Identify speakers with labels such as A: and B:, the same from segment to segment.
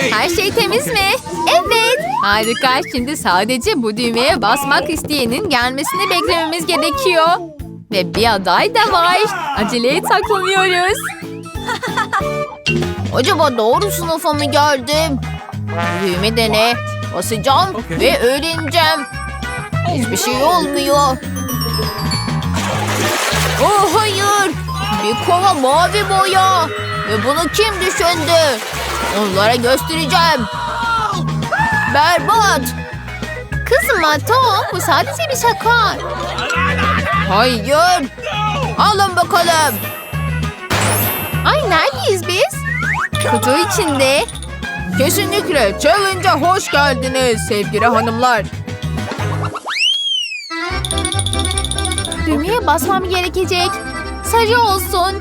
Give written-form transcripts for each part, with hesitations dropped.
A: Her şey temiz mi? Evet. Harika. Şimdi sadece bu düğmeye basmak isteyenin gelmesini beklememiz gerekiyor. Ve bir aday da var. Aceleye saklanıyoruz.
B: Acaba doğru sınıfa mı geldim? Düğme dene. Basacağım ve öğreneceğim. Hiçbir şey olmuyor. Oh hayır. Bir kova mavi boya. Ve bunu kim düşündü? Onlara göstereceğim. Berbat.
A: Kızma Tom. Bu sadece bir şaka.
B: Hayır. Alın bakalım.
A: Ay neredeyiz biz? Kutu içinde.
B: Kesinlikle challenge'a hoş geldiniz sevgili hanımlar.
A: Düğmeye basmam gerekecek. Sarı olsun.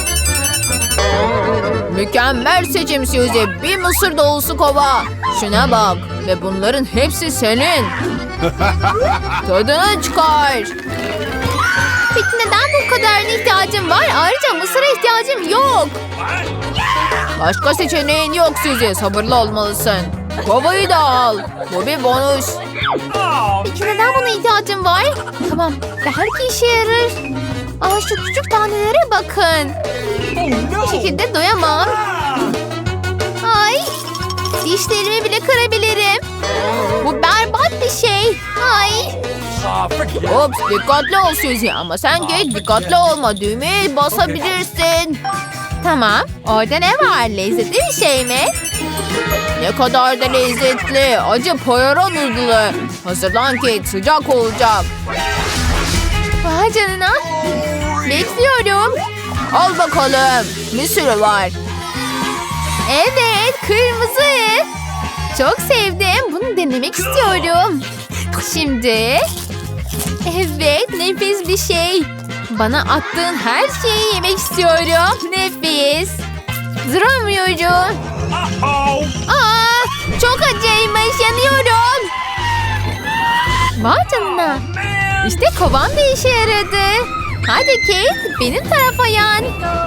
B: Mükemmel seçim Suzy. Bir mısır dolusu kova. Şuna bak. Ve bunların hepsi senin. Tadını çıkar.
A: Peki neden bu kadarına ihtiyacım var? Ayrıca mısıra ihtiyacım yok.
B: Başka seçeneğin yok Suzy. Sabırlı olmalısın. Kovayı da al. Bu bir bonus.
A: Peki neden buna ihtiyacım var? Tamam. Belki işe yarar. Aa, şu küçük tanelere bakın. Bu şekilde doyamam. Ay. Dişlerimi bile kırabilirim. Bu berbat bir şey. Ay.
B: Ops dikkatli ol Suzy. Ama sen geç dikkatli olma. Düğmeye basabilirsin.
A: Tamam. Orada ne var? Lezzetli bir şey mi?
B: Ne kadar da lezzetli. Acı poyara noodle'ı. Hazırlan Kate, sıcak olacak.
A: Vay canına. Bekliyorum.
B: Al bakalım. Bir sürü var.
A: Evet, kırmızı. Çok sevdim. Bunu denemek istiyorum. Şimdi. Evet, nefis bir şey. Bana attığın her şeyi yemek istiyorum. Nefis. Duramıyorum. Aa, çok acıymış. Yanıyorum. Vay canına. İşte kovam da işe yaradı. Hadi Kate, benim tarafa yan.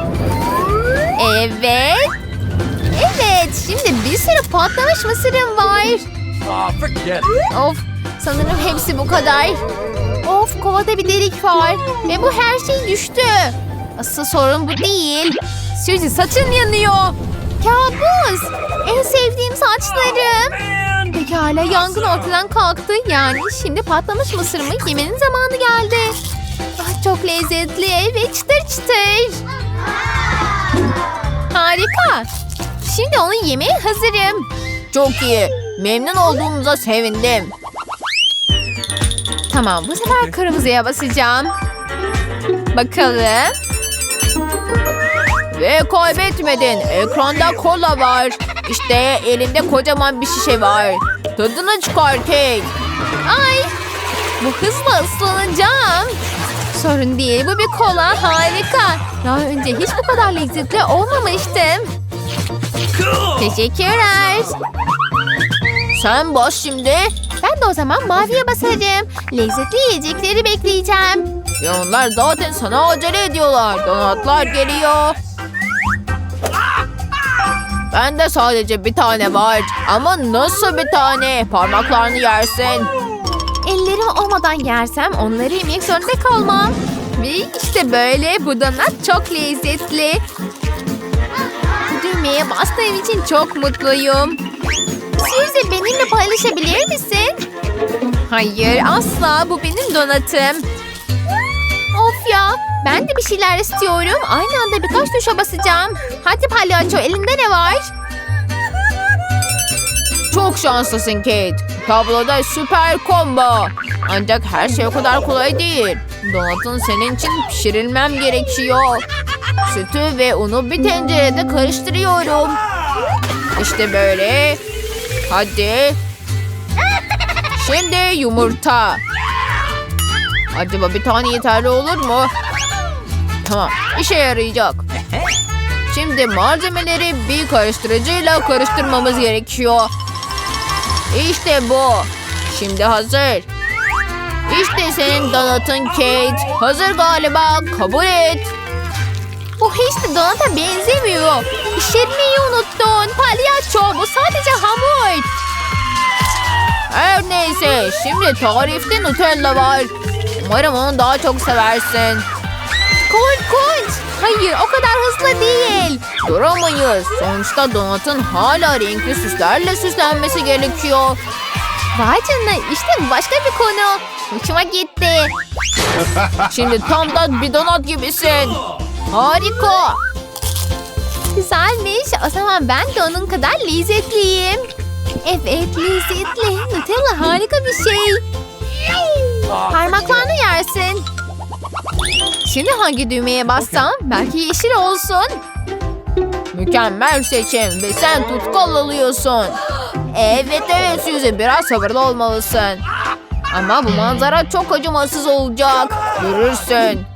A: Evet. Evet, şimdi bir sürü patlamış mısırım var. Of, sanırım hepsi bu kadar. Of, kovada bir delik var. Ve bu her şey düştü. Asıl sorun bu değil. Suzy, saçın yanıyor. Kabus. En sevdiğim saçlarım. Pekala, yangın ortadan kalktı. Yani şimdi patlamış mısırımı yemenin zamanı geldi. Ah, çok lezzetli ve çıtır çıtır. Harika. Şimdi onu yemeye hazırım.
B: Çok iyi. Memnun olduğumuza sevindim.
A: Tamam, bu sefer kırmızıya basacağım. Bakalım.
B: Ve kaybetmedin. Ekranda kola var. İşte elinde kocaman bir şişe var. Tadını çıkar Kate.
A: Ay, bu hızla ıslanacağım. Sorun değil, bu bir kola. Harika. Daha önce hiç bu kadar lezzetli olmamıştım. Teşekkürler.
B: Sen bas şimdi.
A: Ben de o zaman maviye basarım. Lezzetli yiyecekleri bekleyeceğim.
B: Ya onlar zaten sana acele ediyorlar. Donatlar geliyor. Bende sadece bir tane var. Ama nasıl bir tane? Parmaklarını yersin.
A: Ellerim olmadan yersem onları yemek zorunda kalmam. Ve işte böyle, bu donat çok lezzetli. Düğmeye bastığım için çok mutluyum. Suzy, benimle paylaşabilir misin? Hayır, asla. Bu benim donatım. Of ya, ben de bir şeyler istiyorum. Aynı anda birkaç tuşa basacağım. Hadi palyaço, elinde ne var?
B: Çok şanslısın Kate. Tabloda süper combo. Ancak her şey o kadar kolay değil. Donatın senin için pişirilmem gerekiyor. Sütü ve unu bir tencerede karıştırıyorum. İşte böyle. Hadi. Şimdi yumurta. Acaba bir tane yeterli olur mu? Tamam, işe yarayacak. Şimdi malzemeleri bir karıştırıcıyla karıştırmamız gerekiyor. İşte bu. Şimdi hazır. İşte senin donatın Kate. Hazır galiba. Kabul et.
A: Bu hiç de donata benzemiyor. Pişirmeyi unuttun. Palyaço, bu sadece hamur.
B: Her neyse, şimdi tarifte Nutella var. Umarım onu daha çok seversin.
A: Korkunç. Hayır, o kadar hızlı değil.
B: Duramayız. Sonuçta donatın hala renkli süslerle süslenmesi gerekiyor.
A: Vay canına, işte bu başka bir konu. Hoşuma gitti.
B: Şimdi tam da bir donat gibisin.
A: Harika. Güzelmiş. O zaman ben de onun kadar lezzetliyim. Evet, lezzetli. Nutella harika bir şey. Parmaklarını yersin. Şimdi hangi düğmeye bassam? Belki yeşil olsun.
B: Mükemmel seçim ve sen tutkal alıyorsun. Evet Suzy, biraz sabırlı olmalısın. Ama bu manzara çok acımasız olacak. Görürsün.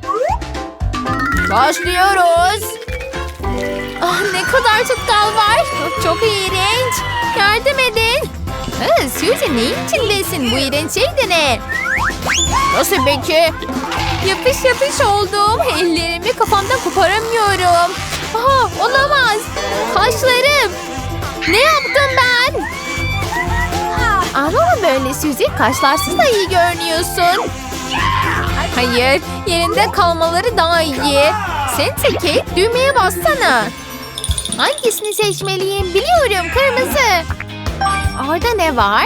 B: Başlıyoruz.
A: Ah, ne kadar tutkal var. Çok iğrenç. Yardım edin. Suzy, neyin içindesin? Bu iğrenç şey de ne?
B: Nasıl peki?
A: Yapış yapış oldum. Ellerimi kafamdan koparamıyorum. Aha, olamaz. Kaşlarım. Ne yaptım ben? Ama böyle Suzy, kaşlarsız da iyi görünüyorsun. Hayır, yerinde kalmaları daha iyi. Sen Kate, düğmeye bassana. Hangisini seçmeliyim? Biliyorum, kırmızı. Orada ne var?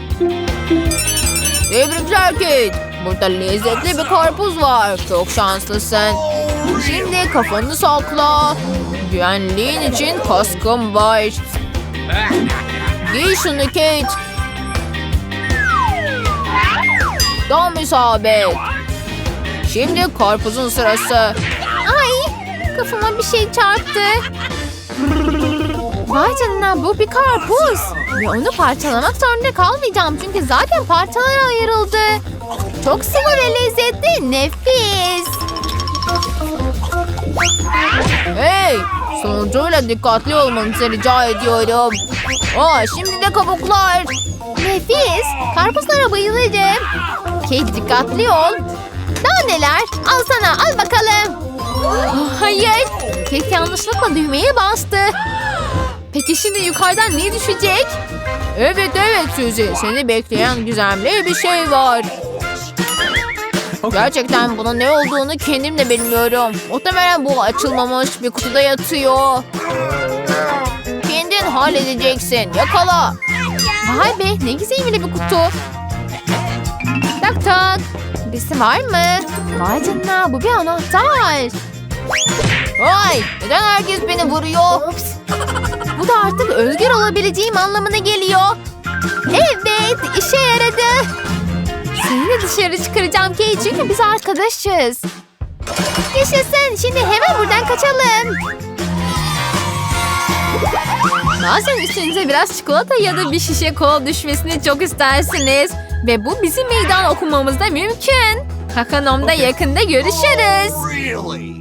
B: Tebrikler Kate. Burada lezzetli bir karpuz var. Çok şanslısın. Şimdi kafanı sakla. Güvenliğin için kaskım var. Giy şunu Kate. Tam isabet. Şimdi karpuzun sırası.
A: Ay, kafama bir şey çarptı. Vay canına, bu bir karpuz. Ve onu parçalamak zorunda kalmayacağım. Çünkü zaten parçalara ayrıldı. Çok sıvı ve lezzetli. Nefis.
B: Hey! Sonucuyla dikkatli olmanızı rica ediyorum. Şimdi de kabuklar.
A: Nefis. Karpuzlara bayılırım. Kate, dikkatli ol. Daha neler? Al sana, al bakalım. Hayır. Kate yanlışlıkla düğmeye bastı. Peki şimdi yukarıdan ne düşecek?
B: Evet Suzy. Seni bekleyen gizemli bir şey var. Gerçekten bunun ne olduğunu kendim de bilmiyorum. Muhtemelen bu açılmamış bir kutuda yatıyor. Kendin halledeceksin. Yakala.
A: Vay be, ne gizemli bir kutu. Tak tak. Birisi var mı? Vay canına, bu bir anahtar.
B: Vay! Neden herkes beni vuruyor?
A: Ups. Bu da artık özgür olabileceğim anlamına geliyor. Evet, işe yaradı. Seni de dışarı çıkaracağım Kate, çünkü biz arkadaşız. Yaşasın, şimdi hemen buradan kaçalım. Bazen üstünüze biraz çikolata ya da bir şişe kola düşmesini çok istersiniz. Ve bu bizim meydan okumamızda mümkün. Hakanom'da yakında görüşürüz.